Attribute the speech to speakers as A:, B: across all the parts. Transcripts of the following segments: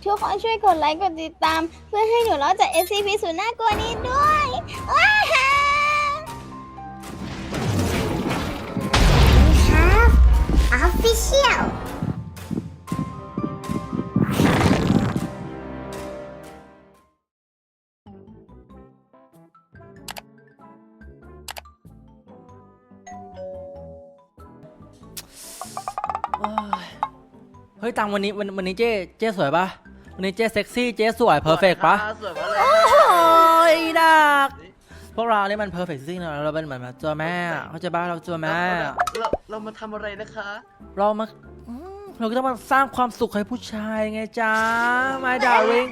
A: ทุกคนช่วยกดไลค์กดติดตาม เพื่อให้หนูรอดจาก SCP สุดน่ากลัวนี้ด้วยว้าฮ่าครับ Official
B: เฮ้ยตังวันนี้เจ๊สวยปะวันนี้เจ๊เซ็กซี่เจ๊สวยเพอร์เฟกปะ
C: สวยมากเลย
B: โอ้ยดักพวกเราเนี่ยมันเพอร์เฟกซิ่งนะเราเป็นเหมือนตัวแม่เขาจะบ้าเราตัวแม่
C: เรามาทำอะไรนะคะ
B: เรามาเราก็ต้องมาสร้างความสุขให้ผู้ชายไงจ้า my darling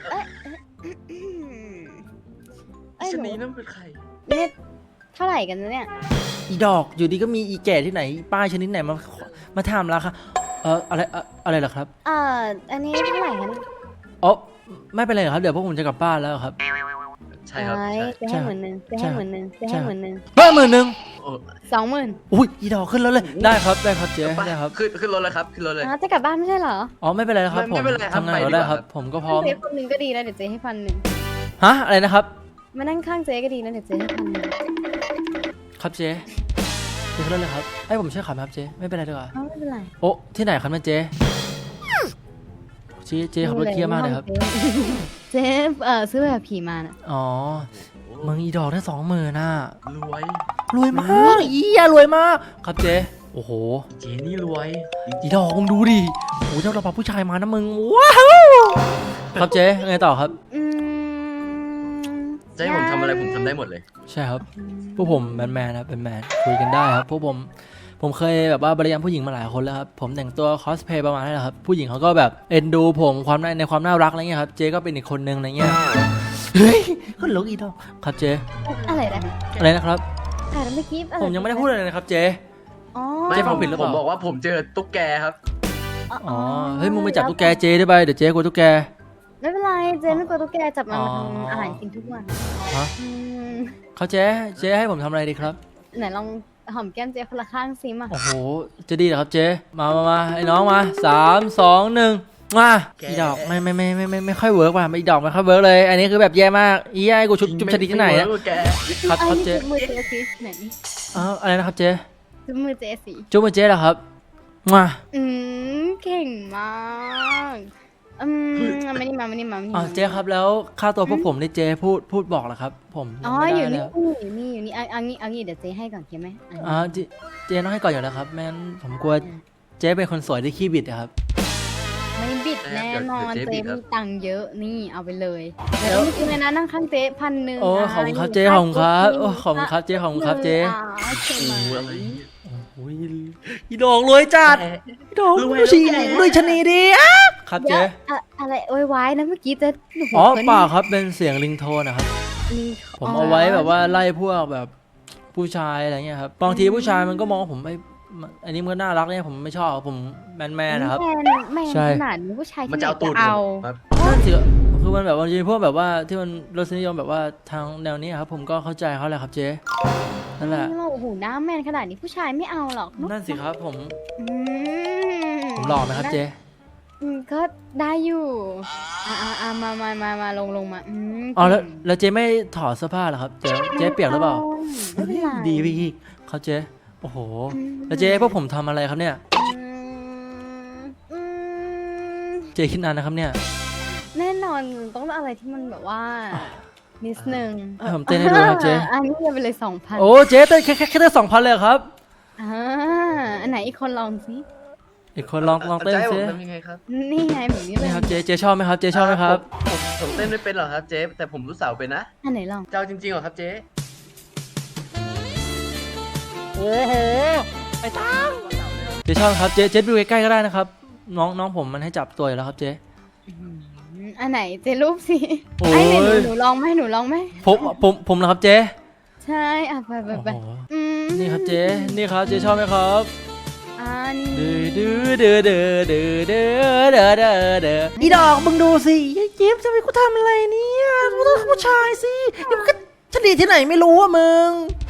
C: ชนีนั่นเป็นใคร
A: เนี่ยเท่าไหร่กันเนี่ย
B: อีดอกอยู่ดีก็มีอีแก่ที่ไหนป้ายชนิดไหนมาถามราคาอะไรเหรอครับ
A: อันนี้เท่าไหร่กัน
B: อ๋อไม่เป็นไรครับเดี๋ยวพวกผมจะกลับบ้านแล้วครับ
C: ใช่ครับ
A: จะให้10,000จะให้10,000จะให้10,000
B: เพิ่ม10,000
C: โอ้
A: 20,000
B: อุ้ยอีดอกขึ้นแล้วเลยได้ครับเจ๊ได้ครับ
C: ขึ้นรถเลยครับขึ้นรถเลย
A: จะกลับบ้านไม่ใช่เหรอ
B: อ๋อไม่เป็นไรครับผม
C: ไม่เป็นไรครับ
B: ทำงาน
C: ไปดี
B: ก็
C: กว่า
B: ได้ครับ ผมก็พร้อม
A: เจ๊คนหนึ่งก็ดีแล้วเดี๋ยวเจ๊ให้1,000
B: ฮะอะไรนะครับ
A: มานั่งข้างเจ๊ก็ดีแล้วเดี๋ยวเจ๊ให้1,000
B: ครับเจ๊ขึ้นรถเลยครับให้ผมช่วยขับไหมครับเจ๊ไม่เป็นไรดีกว่า
A: ไม่เป็นไร
B: โอ้ที่ไหนครับเนี่ยเจ๊ขับรถเที่ยวมากเลยครับ
A: เจ๊ซื้อแบบผีมาน่ะ
B: อ๋อมึงอีดอกได้20,000น่ะ
C: รวย
B: มากอีอะรวยมากครับเจ๊โอ้โห
C: เจนี่รวย
B: อีดอกมึงดูดิโอ้เจ้าเราพาผู้ชายมานะมึงว้าวครับเจ๊ไงต่อครับ
C: จะให้ผมทำอะไรผมทำได้หมดเลย
B: ใช่ครับพวกผมแมนครับเป็นแมนคุยกันได้ครับพวกผมเคยแบบว่าบริยามผู้หญิงมาหลายคนแล้วครับผมแต่งตัวคอสเพย์ประมาณนั้นแหละครับผู้หญิงเขาก็แบบเอ็นดูผมในความน่ารักอะไรเงี้ยครับเจ๊ก็เป็นอีกคนนึงอะไรเงี้ยเฮ้ยคนลุกอีดอกครับเจ๊
A: อะไรนะ
B: อะไรนะครับ
A: อะไรเมื่อกี้
B: ผมยังไม่ได้พูดอะไรเลยนะครับเจ๊
A: อ๋อ
B: เจ๊ฟังผิดหรือเป
C: ผ
B: ล่า
C: มบอกว่าผมเจอตุ๊กแกครับ
B: อ๋อเฮ้ยมึงไปจับตุ๊กแกเจ๊ได้ไปเดี๋ยวเจ๊กลัวตุ๊กแก
A: ไม่เป็นไรเจ๊ไม่กลัวตุ๊กแกจับมันมาทำอาหารกินทุกวัน
B: ฮะเขาเจ๊ให้ผมทำอะไรดีครับ
A: ไหนลองหอมแก้มเจ๊คนละข้างซิมา
B: โอ้โหจะดีเหรอครับเจ๊มาไอ้น้องมา3 2 1มาอีดอกไม่ค่อยเวิร์กว่ะอีดอกไม่ค่อยเวิร์กเลยอันนี้คือแบบแย่มากอีไอ้กูชุบชนิดที่ไหนเนี่ย
C: แก
B: ครับ
A: อันนี้
B: เจ๊
A: จุ๊บมือเจ๊สิไหนนี่
B: อะไรนะครับเจ๊
A: จุ๊บมือเจ๊สิ
B: จุ๊บมือเจ๊เหรอครับมา
A: เก่งมากไม่ได้มา
B: เจ๊ครับแล้วค่าตัวพวกผมนี่เจ๊พูดบอกเหรอครับผมยังไม่
A: อยู่
B: ได้
A: นี่
B: แล้ว
A: อยู่นี่เอางี้เดี๋ยวเจ๊ให้ก่อนเข้าไหม
B: เจ๊ต้องให้ก่อนอยู่แล้วครับแม่นผมกลัวเจ๊เป็นคนสวยที่ขี้บิดครับ
A: ไม่บิดแน่นอนเจ๊มีตังค์เยอะนี่เอาไปเลยเดี๋ยวจริงๆเลยนะนั่งข้างเจ๊1,000
B: โอ้ขอบคุณครับเจ๊ขอบคุณครับโอ้ขอบคุณครับเจ๊ขอบคุณครับเจ๊
A: ใช่ไหม
C: อะไร
B: โอ้ยอีดอกรวยจัดอีดอกรวยชนีดีอ่ะครับเจ๊
A: อะไรโวยวายนะเมื่อกี้เจ๊
B: อ๋อเปล่าครับเป็นเสียงริงโทนนะครับผมเอาไว้แบบว่าไล่พวกแบบผู้ชายอะไรเงี้ยครับบางทีผู้ชายมันก็มองว่าผมไม่อันนี้มันก็น่ารักเนี่ยผมไม่ชอบผมแมนนะครับ
A: แมน
B: ใช่
A: ขนาดนี้ผู้ชาย
C: มัน
A: ที่
C: จะเอาตูด
A: เอา
C: ครับ
B: นั่นสิคือมันแบบบางทีพวกแบบว่าที่มันรสนิยมแบบว่าทางแนวนี้ครับผมก็เข้าใจเขาแหละครับเจ๊นั่นแหละ
A: โอ้โหหน้าแมนขนาดนี้ผู้ชายไม่เอาหรอก
B: นั่นสิครับผม
A: อื
B: หล่อไหมครับเจ๊
A: ก็ได้อยู่มาลงมา
B: อ๋อแล้วเจ๊ไม่ถอดเสื้อผ้าเหรอครับเจ๊เปียกหรือเปล่า
A: ไม่เป็นไร
B: ดีไปอีกครับเจ๊โอ้โหแล้วเจ๊พวกผมทำอะไรครับเนี่ยเจ๊คิดนานนะครับเนี่ย
A: แน่นอนต้องอะไรที่มันแบบว่านิดนึง
B: ให้ผมเต้นให้ดูครับเจ๊
A: อันนี้ไปเลย 2,000
B: โอ้เจ๊เต้นแค่ได้2,000เลยเหรอครับ
A: อันไหนอีกคนลองสิ
B: อีกคนลองเต้น
C: จะให้ผ
B: ซิ
C: มทำยังไงครับ
A: นี่ไงแบบนี้เล
B: นี่
A: ย
B: ครับเจ๊ชอบไหมครับเจ๊ชอบไหมครับ
C: ผมเต้นไม่เป็นหรอกครับเจ๊แต่ผมรู้สาวเป็นนะ
A: อันไหนลอง
C: เจ้าจริงๆเหรอครับเจ๊
B: โอ้โหไปตั้งเจ๊ชอบครับเจ๊ดูใกล้ๆก็ได้นะครับน้องผมมันให้จับตัวอยู่แล้วครับเจ๊
A: อันไหนเจรูปสิ
B: โอ้ย
A: ไอ้ไหนหนูลองไหม
B: ผมนะครับเจ๊
A: ใช่ไป
B: โอ้โห
A: อืม
B: นี่ครับเจ๊นี่ครับเจ๊ชอบไหมครับ
A: นี่
B: ดื้ออีดอกมึงดูสิเจ๊จะไปกูทำอะไรเนี่ยกูต้องผู้ชายสินี่มันก็ชนีที่ไหนไม่รู้อ่ะมึง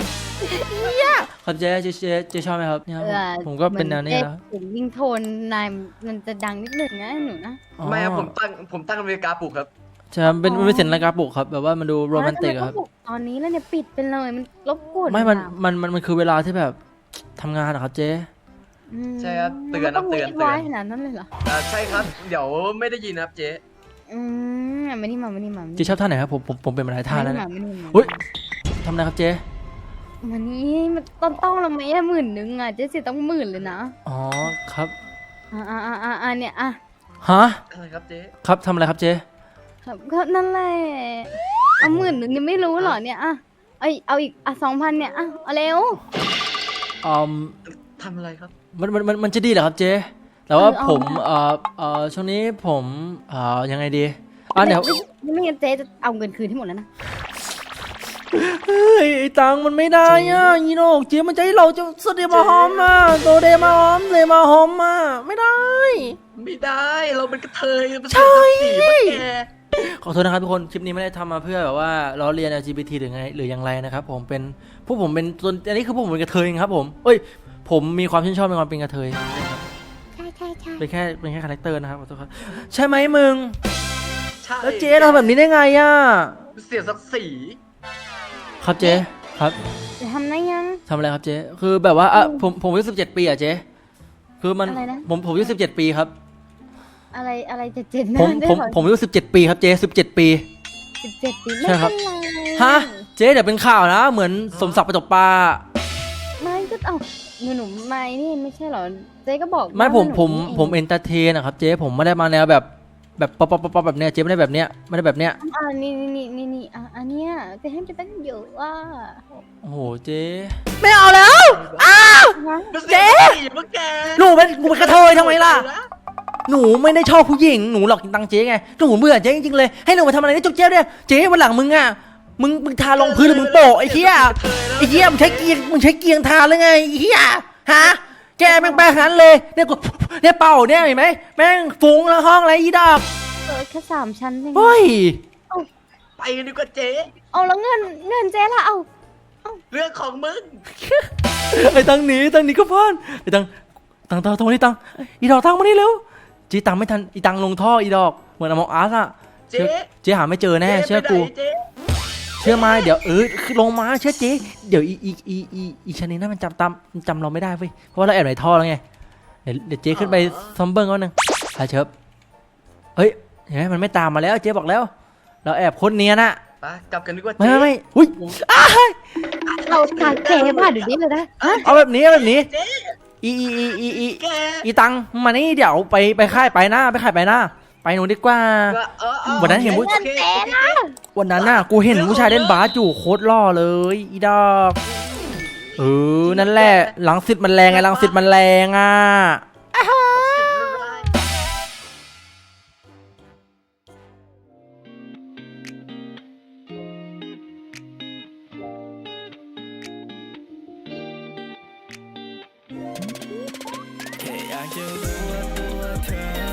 B: ครับเจ๊ชอบไหมครับเนี่ยผมก็เป็นแนวนี้แล้ว
A: เสียงวิ่งโทนนายมันจะดังนิดหนึ่งนะหนูนะ
C: ไม่ครับผมตั้งนาฬิกาปลุกครับ
B: ใช่ครับเป็นเสียงนาฬิกาปลุกครับแบบว่ามันดูโรแมนติกอะครับ
A: แล้วทำไมต้องปลุกตอนนี้แล้วเนี่ยปิดไปเลยมันรบกวน
B: ไม่
A: เวลา
B: มันคือเวลาที่แบบทำงานอะครับเจ๊
A: อืม
C: ใช่ครับเตือน
A: มัต้อง
C: เตือน
A: รีดไว้ขนาดนั้นเลยเหรอ
C: ใช่ครับ เดี๋ยวไม่ได้ยินนะครับเจ๊
A: ไม่นี่มา
B: เจ๊ชอบท่าไหนครับผมเป็นมาหลายท่าแล้วนะ
A: ไม่นี่มา
B: อุ้ยทำอะไรครับเจ๊
A: วันนี้มันต้องละไหมอะ10,000อะเจ๊สิต้อง10,000เลยนะ
B: อ๋อครับ
A: เนี่ยอ่ะ
B: ฮะ
C: อะไรครับเจ๊
B: ครับทำอะไรครับเจ๊
A: ครับก็นั่นแหละเอา10,000ยังไม่รู้เหรอเนี่ยอ่ะเอาอีก2,000เนี่ยอ่ะเอาเร็ว
B: อืม
C: ทำอะไรครับ
B: มันจะดีเหรอครับเจ๊แต่ว่า
A: เอา
B: ผมช่วงนี้ผมยังไงดีเดี๋ยว
A: ไม่งั้นเจ๊จะเอาเงินคืนที่หมดแล้วนะ
B: เฮ้ยไอ้ตังค์มันไม่ได้อ่ะยีโนกเจ๊มันจะให้เราจะสเดมาหอมอ่ะโตเดมาหอมเลยมาหอมอ่ะไม่ได้
C: ไม่ได้เราเป็นกระเทยเป็น
B: ใช่
C: สีปะแก
B: ขอโทษนะครับทุกคนคลิปนี้ไม่ได้ทำมาเพื่อแบบว่าล้อเลียน LGBT หรือไงหรืออย่างไรนะครับผมเป็นพวกผมเป็นตัวอันนี้คือพวกผมเป็นกระเทยครับผมเอ้ยผมมีความชื่นชอบในความเป็นกระเทย
A: ใช่
B: เป็นแค่คาแรคเตอร์นะครับขอโทษครับใช่ไหมมึง
C: ใช่
B: แล้วเจ๊เราแบบนี้ได้ไงอ่ะ
C: เสียศักดิ์ศรี
B: ครับเจ๊ครับ
A: จะทำได้ยัง
B: ทำอะไรครับเจ๊คือแบบว่าผมอายุ17 ปีอ่ะเจ๊คือมัน
A: อะไรนะ
B: ผมอายุ17 ปีครับ
A: อะไรจะเจ็ด
B: ผม
A: นะได้
B: ผม
A: เหรอ
B: ผมอายุ17 ปีครับเจ๊17 ปี
A: 17 ปี
B: ใช่
A: ไม่
B: ครับ
A: เป็นไร
B: ฮะเจ๊เดี๋ยวเป็นข่าวนะเหมือนสมศักดิ์ประจบปลา
A: ไม่ก็เอาหนูไม่นี่ไม่ใช่เหรอเจ๊ก็บอก
B: ไม่
A: ว่า
B: ผม
A: หนู
B: ผม
A: เอง
B: เอนเตอร์เทนนะครับเจ๊ผมไม่ได้มาแนวแบบป๊อปแบบเนี้ยเจ๊ไม่ได้แบบเนี้ยไม่ได้แบบเนี้ย
A: นี่อันเนี้ยจะให้จะตั้งเยอะว่า
B: โอ้โหเจ๊ไม่เอาแล้ว
C: เจ๊ปะแก
B: หนูเป็นกระเทยทำไมล่ะหนูไม่ได้ชอบผู้หญิงหนูหลอกกินตังค์เจ๊ไงหนูเบื่อเจ๊จริงๆเลยให้หนูมาทำอะไรนี่จุกเจ๊เนี่ยเจ๊วันหลังมึงอ่ะมึงทาลงพื้นหรือมึงโปะไอ้เหี้ยมึงใช้เกียงทาเลยไงไอ้เหี้ยฮะแกแม่งแปลขนาดนั้นเลยเนี่ยกูเนี่ยเป่าเนี่ยเห็นไหมแม่งฟุ้งแล้วห้องอะไรอีดอก
A: แค่3 ชั้นเอง
B: เฮ้ย
C: ไปกันดีกว่าเจ๊
A: เอาแล้วเงินเจ๊ละเอา
C: เรื่องของมึง
B: ไอ้ตังหนีก็พลาดไอ้ตังตรงนี้ตังอีดอกตังมานี่เร็วจีตังไม่ทันอีตังลงท่ออีดอกเหมือนอมองอาร์สอะเจ๊หาไม่เจอแน่เชื่อกู
C: เจ๊
B: เชื่อมาเดี๋ยวลงมาเชื่อเจ๊เดี๋ยวอีชนิดนั้นมันจำเราไม่ได้เว้ยเพราะว่าเราแอบในท่อแล้วไงเดี๋ยวเจ๊ขึ้นไปซอมเบิ้งก่อนนึงหาเชิบเฮ้ยเห็นไหมมันไม่ตามมาแล้วเจ๊บอกแล้ว เราแอบคนเนียนอะ
C: ไปกลับกันดีกว่า
B: ไม่
C: เจ๊
B: ไม่อุ้ย
A: เราทางเจ๊ผ่านเดี๋ยวนี้เลยนะ
B: เอาแบบนี้
C: เจ๊ แก
B: อีตังมานี่เดี๋ยวไปค่ายไปหน้าไปหนูดีกว่า วันนั้นเห็นผู้
C: โอเคโอเค
B: วันนั้นน่ะกูเห็นผู้ชายเล่นบาสอยู่โคตรหล่อเลยอีดอกนั่นแหละหลังสิทธิ์มันแรงไงหลังสิทธิ์มันแรงอ่ะ
D: แค่อยากจะรู้ว่าตัวเธอ